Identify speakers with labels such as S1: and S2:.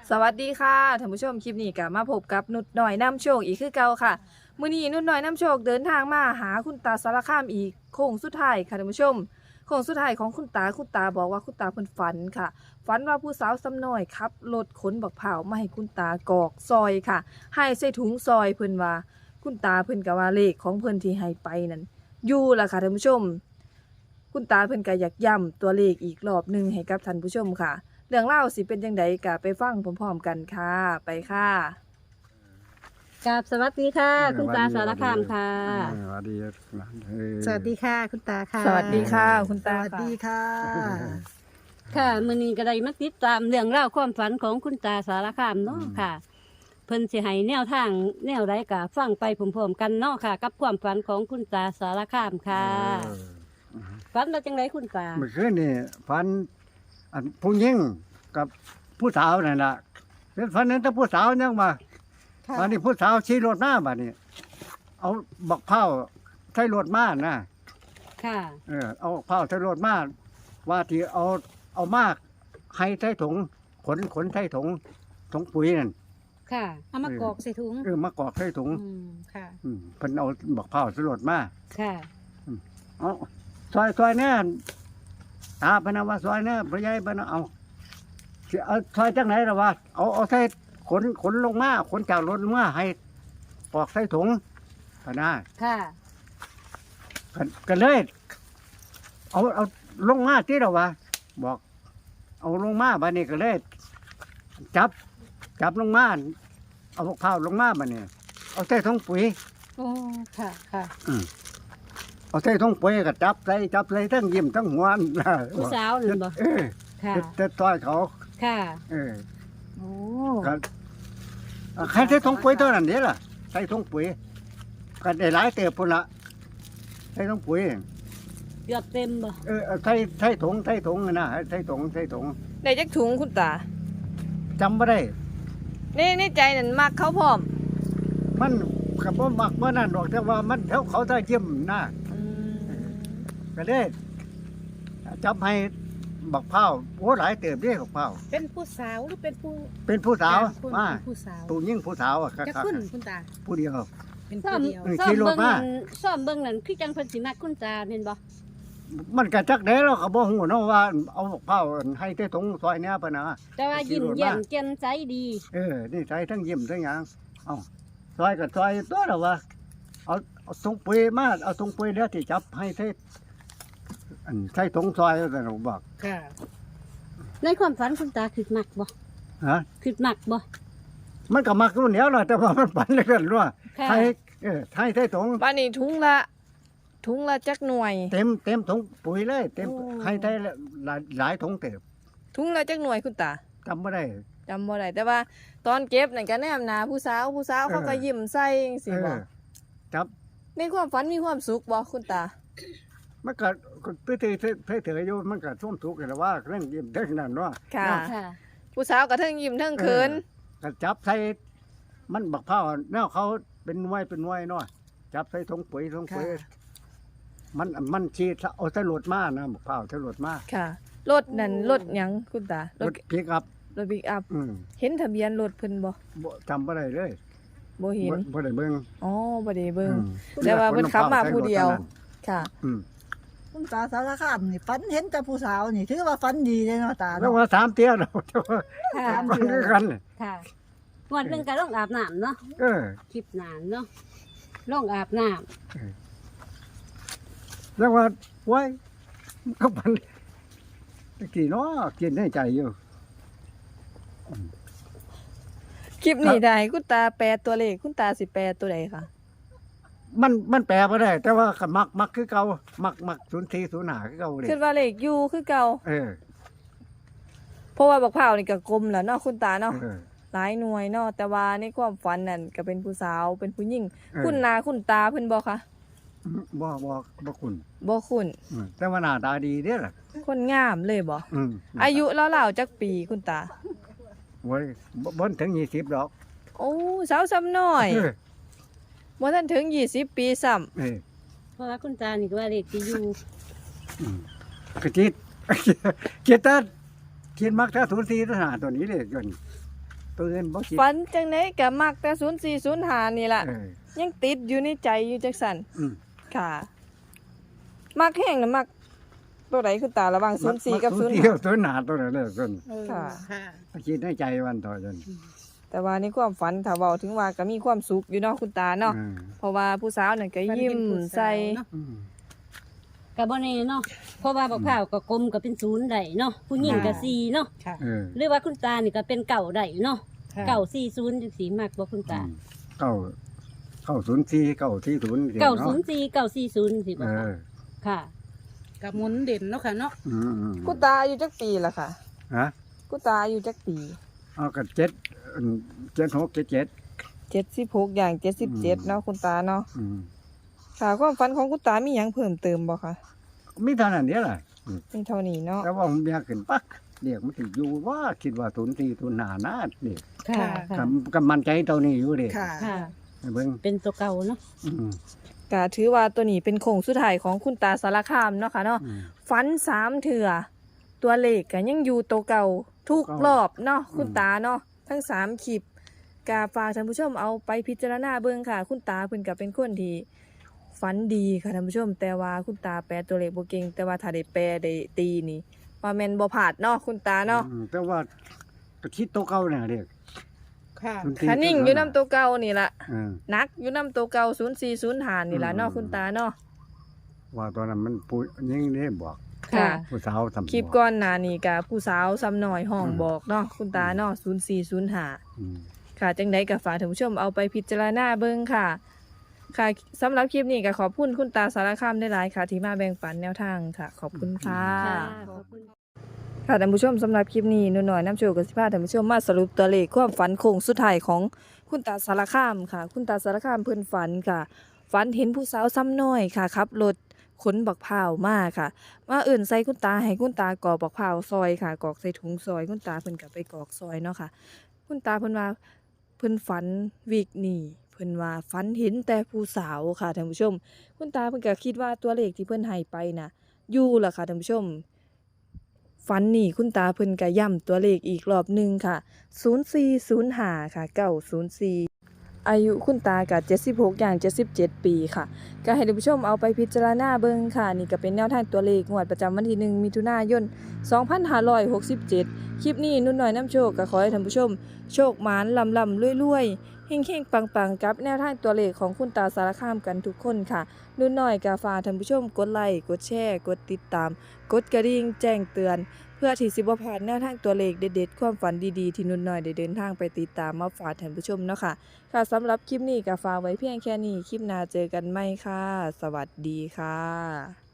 S1: สวัสดีค่ะท่านผู้ชมคลิปนี้ก็มาพบกับนุชหน่อยนำโชคอีกคือเก่าค่ะมื้อนี้นุชหน่อยนำโชคเดินทางมาหาคุณตาสารคามอีกโค้งสุดท้ายค่ะท่านผู้ชมโค้งสุดท้ายของคุณตาบอกว่าคุณตาเพิ่นฝันค่ะฝันว่าผู้สาวซ้ำน้อยขับรถขนบักพร้าวมาให้คุณตากอกซอยค่ะให้ใส่ถุงซอยเพิ่นว่าคุณตาเพิ่นก็ว่าเลขของเพิ่นที่ให้ไปนั่นอยู่ล่ะค่ะท่านผู้ชมคุณตาเพิ่นก็อยากย้ำตัวเลขอีกรอบหนึงให้กับท่านผู้ชมค่ะ เรื่องเล่าวสิเป็นจังไดก็ไปฟังพร้อมๆกันค่ะ ไปค่ะ
S2: กับสวัสดีค่ะ คุณตาสารคามค่ะ
S3: สวัสดีนะ
S4: สวัสดีค่ะคุณตาค่ะ
S1: สวัสดีค่ะ คุณ
S4: ส
S1: ตา
S4: วัสดีค่ะ
S2: ค่ะมื้อนี้ก็ได้มาติดตามเรื่องเล่าวความฝันของคุณตาสารคามเนาะค่ะ เพิ่นสิให้แนวทางแนวใดก็ฟังไปพร้อมๆกันเนาะค่ะ กับความฝันของคุณตาสารคามค่ะฝันว่าจังไดคุณตา
S3: เมื่อคืนนี่ฝันอันผู้หญิงกับผู้สาวนั่นล่ะเป็นฝันนั้นแต่ผู้สาวยังมา
S4: ค่ะ
S3: วันนี้ผู้สาวขี่รถมาบัดนี้ เอาบักเผาใช้รถมานะ
S2: ค่ะ
S3: เอาบักเผาใช้รถมาว่าที่เอามากให้ใช้ถุงขนใช้ถุงปุ๋ยนั่น
S2: ค่ะ
S4: เอามากรอกใส่ถุง
S3: มากอกใช้ถุง
S4: ค่ะ
S3: เพิ่นเอาบักเผาใช้รถมา
S2: ค่ะ
S3: เอาซอยแน่ตาเพนนะว่าซอยแน่พระยายเพนนะเอาสิเอาซอยจังไหนล่ะวะเอาใส่ขนลงมาขนจากรถลงมาให้ปอกใส่ถุงพะนะ
S2: ค่ะ
S3: กันเลยเอาลงมาที่เราวะบอก เอาลงมาบัดนี้ก็เลยจับลงมาเอาข้าวลงมาบัดนี้เอาใส่ถุงปุ๋ย
S2: โอ้ค่ะค่ะ
S3: เอาใส่ถุงปุ๋ยก็จับใส่ทั้งยิ้มทั้งหัว
S2: ผู้สาวนั่นบ่ ค่ะ
S3: จะต่อยเขา
S2: ค่ะ
S4: โอ้
S3: ก็ใครใส่ถุงปุ๋ยตัวนั้นเด้ล่ะใส่ถุงปุ๋ยก็ได้หลายเติบพุ่นละใส่ถุงปุ๋ย
S2: เกือบเต็มบ่
S3: ใส่ถุงนะใส่ถุง
S1: ได้จักถุงคุณตา
S3: จำบ่ได้
S1: ในใจนั่นมักเขาพร้อม
S3: มันก็บ่มักบ่นั่นดอกแต่ว่ามันเขาได้เยี่ยมนะก็ได้จับให้บักเผาโอ้หลายเติบเด้บักเผา
S4: เป็นผู้สาวหรือเป็นผู้
S3: เป็นผู้สาว
S4: ผู้
S3: มา
S4: ผู้สาว
S3: ผู้หญิงผู้สาวอ่ะ
S4: จะขึ้นคุณตา
S3: ผู้เดียว
S4: เป็น
S2: ซ่อ
S4: ผู้
S2: ม
S4: เดียว
S2: ซ่อ
S3: ขี่
S2: ม
S3: รถ
S2: เบิ่ง
S3: มา
S2: นั่นซ่อมเบิ่งนั่นคือจังเพิ่นสิมักคุณตาเห็นบ่
S3: มันก็จักได้แล้วก็บ่ฮู้เนาะว่าเอาบักเผาให้ใส่ถุงซอยเนี้ยปะนะ
S2: แต่ว่ายิ้ม
S3: ขี่รถมา
S2: แย้มแจ่มใสดี
S3: นี่ใส่ทั้งยิ้มทั้งหยังเอาซอยกับซอยตัวละวะเอาถุงปุ๋ยมาเอาถุงปุ๋ยแล้วที่จับให้ใส่ใส่ถุงซอยแล้วแต่เราบอก
S4: ค่ะ
S2: ในความฝันคุณตาคือมักบ่
S3: ฮะ
S2: คือมักบ่
S3: มันก็มักรุ่นเดียวแหละแต่ว่ามันปั่นเลยกันว่า
S2: ค่ะ
S3: ให้ให้ใส่ถุง
S1: บ้านนี้ถุงละจักหน่วย
S3: เต็มถุงปุ๋ยเลยเต็มให้ใส่หลายถุงเต็ม
S1: ถุงละจักหน่วยคุณตา
S3: จำไม่ได้
S1: จำบ่ได้แต่ว่าตอนเก็บนั่นก็แนมหนาผู้สาวเขาก็ยิ้มใส่จังซี่บ่
S3: จับ
S1: ในความฝันมีความสุขบ่คุณตา
S3: มันก็เถยอยู่มันก็ท่วมทุกข์กันว่าเรื่องยิ้มเรื่องนั้นเนาะ
S1: ค่ะ
S2: ค่ะ ผู้
S1: ผู้สาวก็เทิงยิ้มเทิงเขิน
S3: ก็จับใส่มันบักเผาแนวเขาเป็นหน่วยเนาะจับใส่ถุงปุ๋ยมันชีดเอาใส่รถมานะบักเผาใส่รถมา
S1: ค่ะรถนั่นรถหยังคุณตาร
S3: ถพิกอัพ
S1: รถบิ๊กอัพ
S3: อืม
S1: เห็นทะเบียนรถเพิ่นบ่
S3: บ่จำบ่ได้เลย
S1: บ่เห็น
S3: บ่ได้เบิ่ง
S1: อ๋อบ่ได้เบิ่ง
S3: อืม
S1: แต่ว่าเพิ่นขับมาผู้เดียว ค่ะ
S3: อืม
S4: คุณตาสารคามนี่ฝันเห็นแต่ผู้สาวนี่ถือว่าฝันดีเลยเนาะตา
S3: แล้ว
S4: เนาะ
S3: ว่า3เตี้ยแล้วแต่ว่า
S2: ค่ะ
S3: ฟังคือกัน
S2: ค่ะงวดหนึงก็ลงอาบน้ำเนาะ
S3: เออ
S2: คลิปนานเนาะลงอาบน้ำ
S3: แล้วว่าไว้ก็มันกี่เนาะกินในใจอยู่
S1: คลิปนี้ได้คุณตาแปลตัวเลขคุณตาสิแปลตัวใดคะ
S3: มันแปลบ่ได้ แต่ว่าก็มักคือเก่ามัก0405คือเก่าเลย
S1: คิดว่าเลขอยู่คือเก่า
S3: เออ
S1: เพราะว่าบักพร้าวนี่ก็กลมแล้วเนาะคุณตาเนาะ
S3: เออ
S1: หลายหน่วยเนาะแต่ว่าในความฝันนั่นก็เป็นผู้สาวเป็นผู้หญิง
S3: เออ
S1: คุณนาคุณตาเพิ่นบ่คะ
S3: บ่คุณ
S1: บ่คุณ
S3: แต่ว่าหน้าตาดีเด้อล่ะ
S1: คนงามเลยบ่
S3: อืม
S1: อายุราวๆจักปีคุณตา
S3: โว้ยบ่ถึง20ดอก
S1: โอ้สาวซ้ำน้อย
S3: เออ
S1: บ่ทันถึง20ปีซ้ำ
S3: เออ
S2: เพราะว่าคุณตานี่ก็ว่าเลขที่อยู่
S3: กระจิต เกียรติเกียรมักถ้า04ตัวนี้เลยจนตัวอื่นบ่คิด
S1: ฝันจังไดก็มักแต่0405นี่ล่ะ
S3: เออ
S1: ยังติดอยู่ในใจอยู่จังซั่น
S3: อืม
S1: ค่ะ มักแห้งน่ะมักตัวใดคุณตาระหว่าง04กับ
S3: มัเที่ยวตัวหนาตัวนั้นเลยต้น
S1: ค่ะ
S4: ค่ะ
S3: คิดในใจวันต่อจน
S1: แต่ว่าในความฝันถ้าเว้าถึงว่าก็มีความสุขอยู่เนาะคุณตาเนาะ
S3: อืม
S1: เพราะว่าผู้สาวนั่นก็ยิ้มใส่
S3: อืม
S2: ก็บ่แน่เนาะเพราะว่าบักพร้าวก็กลมก็เป็นศูนย์ได้เนาะผู้หญิงก็สี่เนาะ
S4: ค่ะ
S3: เออ
S2: หรือว่าคุณตานี่ก็เป็นเก่าได้เนาะ
S4: ค่ะ
S2: เก่า40จังซี่มากบ่คุณตา
S3: เก้าเก้าศูนย์สี่เก้าที่ศูนย์
S2: เก่า04เก่า40สิบ่
S3: เอ
S2: คะ
S3: อ
S2: ค่ะ
S5: กับหมุนเด่นเนาะค่ะเนาะ
S3: อืมอืม
S1: คุณตาอายุจักปีล่ะค่ะ
S3: ฮะ
S1: คุณตาอายุจักปี
S3: เอากับเจ็ดเจ็ดหกเจ็ดเจ็ด
S1: 76อย่าง77เนาะคุณตาเนาะ
S3: อืม
S1: ค่ะความฝันของคุณตามีหยังเพิ่มเติมบ่คะ
S3: มีเท่านั้นเดียวแหละ
S1: มีเท่านี้เนาะ
S3: แต่ว่าผมอยากขึ้นปักเรียกมันถึงอยู่ว่าคิดว่าศูนย์สี่ศูนย์ห้านาเด็ก
S2: ค่ะ ค่ะ
S3: กับมันใจตัวนี้อยู่เด็ก
S4: ค่ะ
S2: ค่ะ
S3: เบิ่ง
S2: เป็นตัวเก่าเนาะ
S3: อืม
S1: ก็ถือว่าตัวนี้เป็นโค้งสุดท้ายของคุณตาสารคามเนาะค่ะเนาะ
S3: อืม
S1: ฝัน3เถื่อตัวเลขก็ยังอยู่ตัวเก่าทุกรอบเนาะคุณตาเนาะทั้ง3คลิปก็ฝากท่านผู้ชมเอาไปพิจารณาเบิ่งค่ะ คุณตาเพิ่นก็เป็นคนที่ฝันดีค่ะท่านผู้ชม แต่ว่าคุณตาแปลตัวเลขบ่เก่งแต่ว่าถ้าได้แปลได้ตีนี่ว่าแม่นบ่พลาดเนาะคุณตาเนาะ
S3: อืมแต่ว่าก็คิดตัวเก่าเนี่ยเด็ก
S5: ค่ะ
S3: ศูย์สี่
S1: คันนิ่งอยู่นํตัวเก่านี่ล่ะ
S3: เออ
S1: นักอยู่นํตัวเก่า0405นี่ล่ะเนาะคุณตาเนาะ
S3: ว่าตอนนั้นมันพูดยังได้บอก
S1: ค่ะ
S3: ผู้สาวทำ
S1: คลิปก่อนหน้านี้ก็ผู้สาวซ้ำน้อยห้องบอกเนาะคุณตาเนาะ0405
S3: อืม
S1: ค่ะจังใดก็ฝากท่านผู้ชมเอาไปพิจารณาเบิ่งค่ะ ค่ะสำหรับคลิปนี้ก็ขอบคุณคุณตาสารคามได้หลายค่ะ ที่มาแบ่งปันแนวทางค่ะ ขอบคุณค่ะ
S2: ขอบคุณ
S1: ค่ะท่านผู้ชมสำหรับคลิปนี้หนูน้อยน้ำโชคกับสิพาท่านผู้ชมมาสรุปตัวเลขความฝันโค้งสุดท้ายของคุณตาสารคามค่ะ คุณตาสารคามเพิ่นฝันค่ะ ฝันเห็นผู้สาวซ้ำน้อยค่ะขับรถขนบักพร้าวมาค่ะ มาเอื่นใส่คุณตาให้คุณตากรอกบักพร้าวซอยค่ะกรอกใส่ถุงซอยคุณตาเพิ่นก็ไปกรอกซอยเนาะค่ะ คุณตาเพิ่นว่าเพิ่นฝันวีกนี้เพิ่นว่าฝันเห็นแต่ผู้สาวค่ะท่านผู้ชม คุณตาเพิ่นก็คิดว่าตัวเลขที่เพิ่นให้ไปน่ะอยู่ล่ะค่ะท่านผู้ชม ฝันนี่คุณตาเพิ่นก็ย้ำตัวเลขอีกรอบหนึงค่ะ 0405 ค่ะ 904 อายุคุณตาก็76อย่าง77 ปีค่ะ ก็ให้ท่านผู้ชมเอาไปพิจารณาเบิ่งค่ะ นี่ก็เป็นแนวทางตัวเลขงวดประจำวันที่ 1 มิถุนายน 2567 คลิปนี้นุ่นน้อยน้ำโชคก็ขอให้ท่านผู้ชม โชคหมานลำๆรวยๆเฮงๆปังๆกับแนวทางตัวเลขของคุณตาสารคามกันทุกคนค่ะ นุ่นน้อยก็ฝากท่านผู้ชมกดไลค์กดแชร์กดติดตาม กดกระดิ่งแจ้งเตือน เพื่อที่สิบ่พลาดแนวทางตัวเลขเด็ดๆความฝันดีๆที่นุ่นน้อยได้เดินทางไปติดตามมาฝากท่านผู้ชมเนาะค่ะ ค่ะสำหรับคลิปนี้ก็ฝากไว้เพียงแค่นี้ คลิปหน้าเจอกันใหม่ค่ะ สวัสดีค่ะ